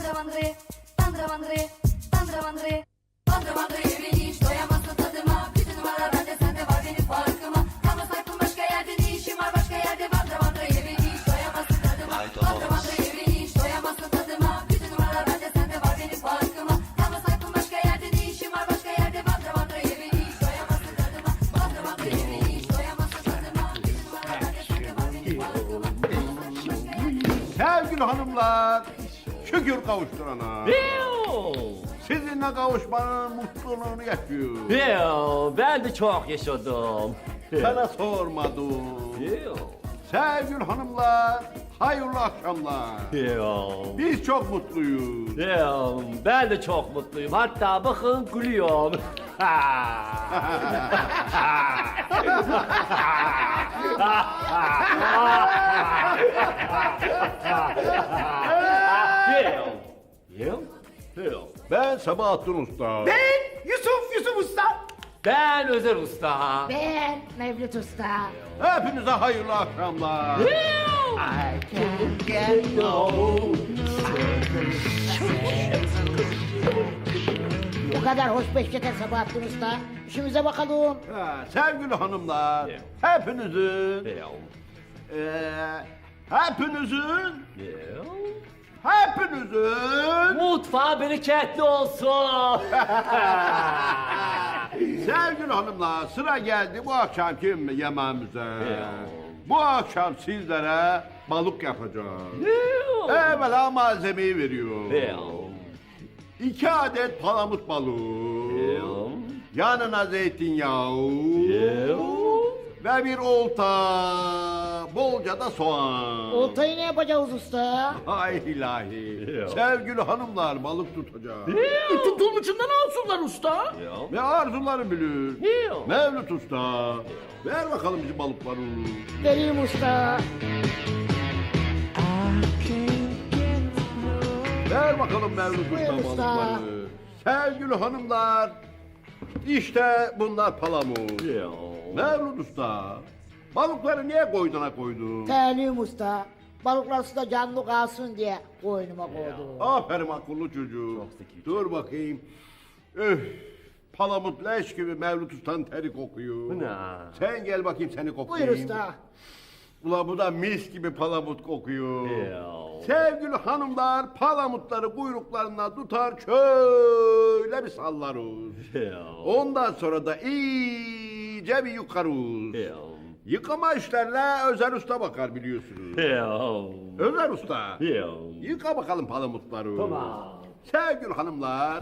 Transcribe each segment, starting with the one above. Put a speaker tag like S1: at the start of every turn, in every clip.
S1: Bandramandre, bandramandre, bandramandre. Bandramandre beni hiç doyamazsın tadıma. Bütün numaralar bende sende var benim farkıma. Kalma sakın başka yerde ne işim var başka yerde. Bandramandre beni hiç doyamazsın tadıma. Bandramandre beni hiç doyamazsın tadıma. Bütün numaralar bende sende var benim farkıma. Kalma sakın başka yerde ne işim var başka yerde. Bandramandre beni hiç doyamazsın tadıma. Bandramandre beni hiç doyamazsın tadıma. Bütün numaralar bende sende var benim farkıma.
S2: Sevgili hanımlar, şükür kavuşturana. Sizinle kavuşmanın mutluluğunu yaşıyor.
S3: Ben de çok yaşadım.
S2: Sana sormadım. Sevgili hanımlar, hayırlı akşamlar. Biz çok mutluyuz.
S3: Ben de çok mutluyum. Hatta bakın gülüyorum.
S2: Ben Sabahattin Usta.
S4: Yusuf Usta.
S3: Ben Özer Usta.
S5: Ben Mevlüt Usta.
S2: Hepinize hayırlı akşamlar.
S5: Bu kadar hoş beş yeter Sabahattin Usta. İşimize bakalım.
S2: Sevgili hanımlar, hepinizin, hepinizin
S3: Mutfağı bereketli olsun.
S2: sevgili hanımlar, sıra geldi bu akşamki yemeğimize. Bu akşam sizlere balık yapacağız. Evvela malzemeyi veriyorum. 2 adet palamut balığı. Yanına zeytinyağı. Ve bir olta. Bolca da soğan.
S5: Oltayı ne yapacağız usta?
S2: Hay ilahi. Sevgili hanımlar balık tutacağız.
S4: Tutulmuşundan alsınlar usta.
S2: Ve arzuları bilir. Mevlüt Usta. Ver bakalım bizim balıkları.
S5: Vereyim usta.
S2: Ver bakalım Mevlüt Usta
S5: Buyur usta.
S2: balıkları. Sevgili hanımlar. İşte bunlar palamut. Mevlüt Usta. Balıkları niye koyduna koydun?
S5: Terliyim usta. Balıklar suda canlı kalsın diye koynuma koydum.
S2: Aferin akıllı çocuğu. Dur bakayım. Öf. Palamut leş gibi Mevlüt Usta'nın teri kokuyor. Sen gel bakayım seni koklayayım.
S5: Buyur usta.
S2: Ula bu da mis gibi palamut kokuyor. Sevgili hanımlar palamutları kuyruklarına tutar şöyle bir sallarız. Ondan sonra da iyice bir yıkarız. Yıkama işlerine Özer Usta bakar biliyorsunuz. Özer Usta. Yıka bakalım palamutları.
S3: Tamam.
S2: Sevgili hanımlar.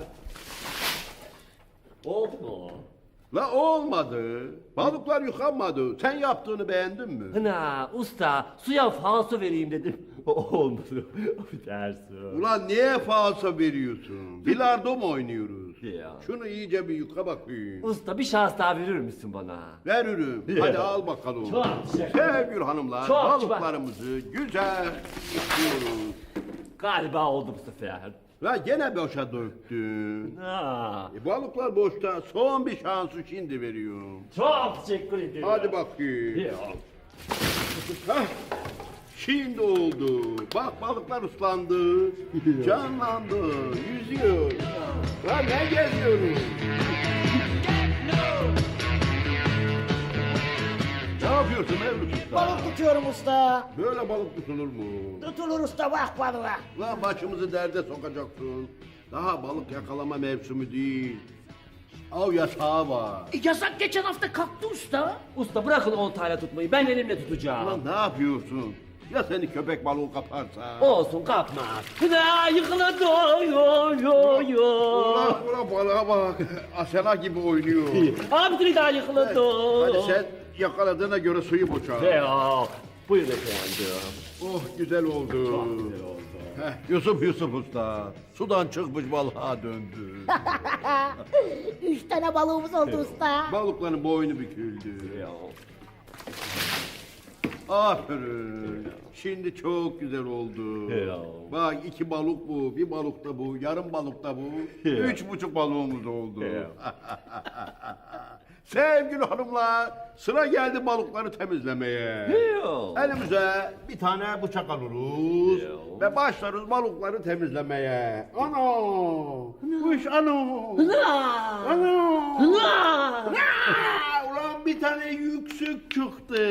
S3: Oldu mu?
S2: La olmadı. Balıklar yıkanmadı. Sen yaptığını beğendin mi?
S3: Hına usta suya falso vereyim dedim. Olmadı. Affedersin.
S2: Ulan niye falso veriyorsun? Bilardo mu oynuyoruz?
S3: Ya.
S2: Şunu iyice bir yıka bakayım.
S3: Usta bir şans daha verir misin bana?
S2: Veririm. Hadi al bakalım.
S3: Çok teşekkür ederim.
S2: Sevgili hanımlar,
S3: Çok
S2: balıklarımızı güzel yıkıyoruz.
S3: Galiba oldu bu sefer.
S2: La gene boşa döktün.
S3: Ha,
S2: Balıklar boşta. Son bir şansı şimdi veriyorum.
S3: çok teşekkür ederim.
S2: Hadi bakayım.
S3: Ya.
S2: Hah, şimdi oldu. Bak balıklar ıslandı. Canlandı. Yüzüyor. La ne geziyoruz? Ne yapıyorsun Mevlüt Usta?
S5: Balık tutuyorum usta.
S2: Böyle balık tutulur mu?
S5: Tutulur usta bak balığa.
S2: Lan başımızı derde sokacaksın. Daha balık yakalama mevsimi değil. Av yasağı var.
S4: Yasak geçen hafta kalktı usta.
S3: Usta bırakın oltayla tutmayı ben elimle tutacağım.
S2: Lan ne yapıyorsun? Ya seni köpek balığı kaparsa?
S3: Olsun kapmaz. Hına yıkıldı yo.
S2: Ulan ulan balığa bak. Asena gibi oynuyor.
S3: Abi daha yıkıldı.
S2: Hadi sen yakaladığına göre suyu boşalt.
S3: Ya. Buyurun efendim.
S2: Oh güzel oldu.
S3: Çok güzel oldu.
S2: Heh, Yusuf Usta. Sudan çıkmış balığa döndü.
S5: 3 tane balığımız oldu usta.
S2: Balıkların boynu büküldü.
S3: Ya.
S2: Aferin. Şimdi çok güzel oldu.
S3: Ya.
S2: Bak 2 balık bu, bir balık da bu, yarım balık da bu.
S3: Ya.
S2: 3,5 balığımız oldu.
S3: Ya.
S2: Sevgili hanımlar, sıra geldi balıkları temizlemeye.
S3: Yo.
S2: Elimize bir tane bıçak alırız ve başlarız balıkları temizlemeye. Ana! Kuş ana! Ana! Ulan bir tane yüksek çıktı.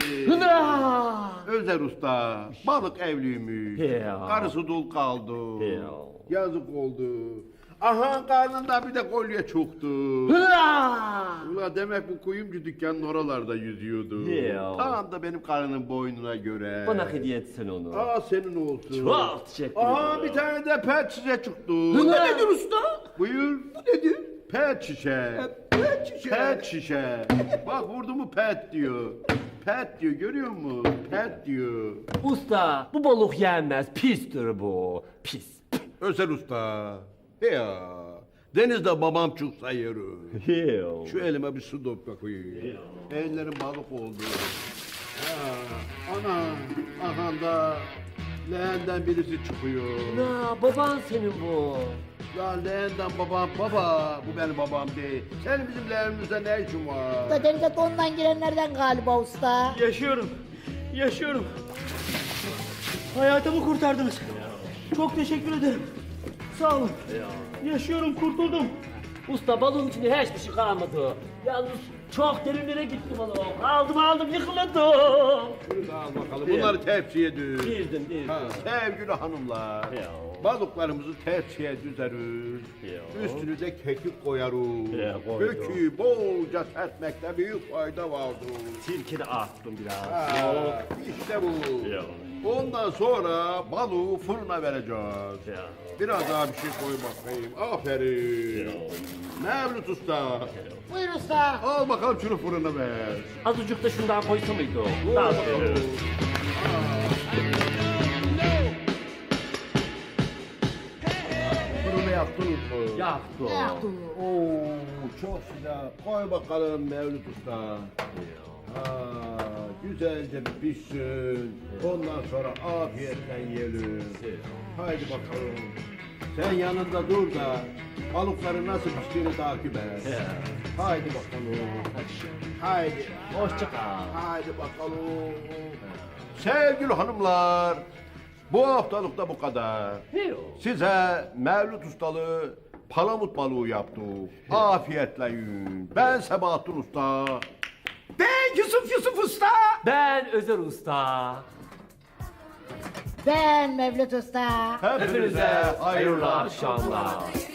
S2: Özer Usta, balık evliymiş.
S3: Ya.
S2: Karısı dul kaldı.
S3: Ya.
S2: Yazık oldu. Aha karnında bir de kolye çıktı. Ula demek bu kuyumcu dükkanın oralarda yüzüyordu.
S3: Ya.
S2: Tam da benim karının boynuna göre.
S3: Bana hediye etsin onu.
S2: Aa senin olsun.
S3: Çok teşekkür
S2: Aha
S3: ederim.
S2: bir tane de pet şişe çıktı.
S4: Bu nedir usta?
S2: Buyur. Bu nedir? Pet şişe.
S4: Pet şişe.
S2: Pet şişe. Bak vurdu mu pet diyor. Pet diyor görüyor musun? Pet diyor.
S3: Usta bu balık yenmez. Pistir bu. Pis.
S2: Özel Usta. Ya. Denizde babam çıksa yeri.
S3: Yo.
S2: Şu elime bir su dök bakayım. Ellerim balık oldu. Ha, ana, aha da leğenden birisi çıkıyor.
S3: Na baban senin bu.
S2: Ya leğenden babam, baba, bu benim babam değil. Senin bizim leğenimizde ne işin var?
S5: Da denize dondan girenlerden galiba usta.
S4: Yaşıyorum. Yaşıyorum. Hayatımı kurtardınız. Çok teşekkür ederim. Sağ olun. Yaşıyorum, kurtuldum.
S3: Usta balığın içinde hiçbir şey kalmadı. Yalnız çok derinlere gitti balık. Aldım yıkıldı.
S2: Şunu da al bakalım. Bunları tepsiye düz.
S3: Dizdim.
S2: Ha, sevgili hanımlar,
S3: Ya.
S2: balıklarımızı tepsiye düzeriz.
S3: Ya.
S2: Üstüne de kekik koyarız.
S3: Ya, koydum.
S2: Kökü bolca serpmekte büyük fayda vardır.
S3: Sirke de attım biraz.
S2: Ha, işte bu.
S3: Ya.
S2: Ondan sonra balığı fırına vereceğiz.
S3: Ya.
S2: Biraz daha bir şey koy bakayım. Aferin. Mevlüt Usta.
S5: Buyur usta.
S2: Al bakalım şunu fırına ver.
S3: Azıcık da şundan koysa mıydı o? Daha
S2: bakalım. Fırını yaktınız mı?
S3: Yaktı.
S2: Oo, çok güzel. Koy bakalım Mevlüt Usta. Ha, güzelce bir pişsin. Ondan sonra afiyetten yiyelim. Haydi bakalım. Sen yanında dur da balıkları nasıl piştiğini takip et. Haydi bakalım. Haydi.
S3: Hoşça kal.
S2: Haydi bakalım. Sevgili hanımlar, bu haftalık da bu kadar.
S3: Yo.
S2: Size Mevlüt Ustalı palamut balığı yaptık. Afiyetle yiyin. Ben Sebahattin Usta.
S4: Ben Yusuf Usta.
S3: Ben Özer Usta.
S5: Ben Mevlüt usta.
S2: Hepinize hayırlı akşamlar.
S1: Akşamlar.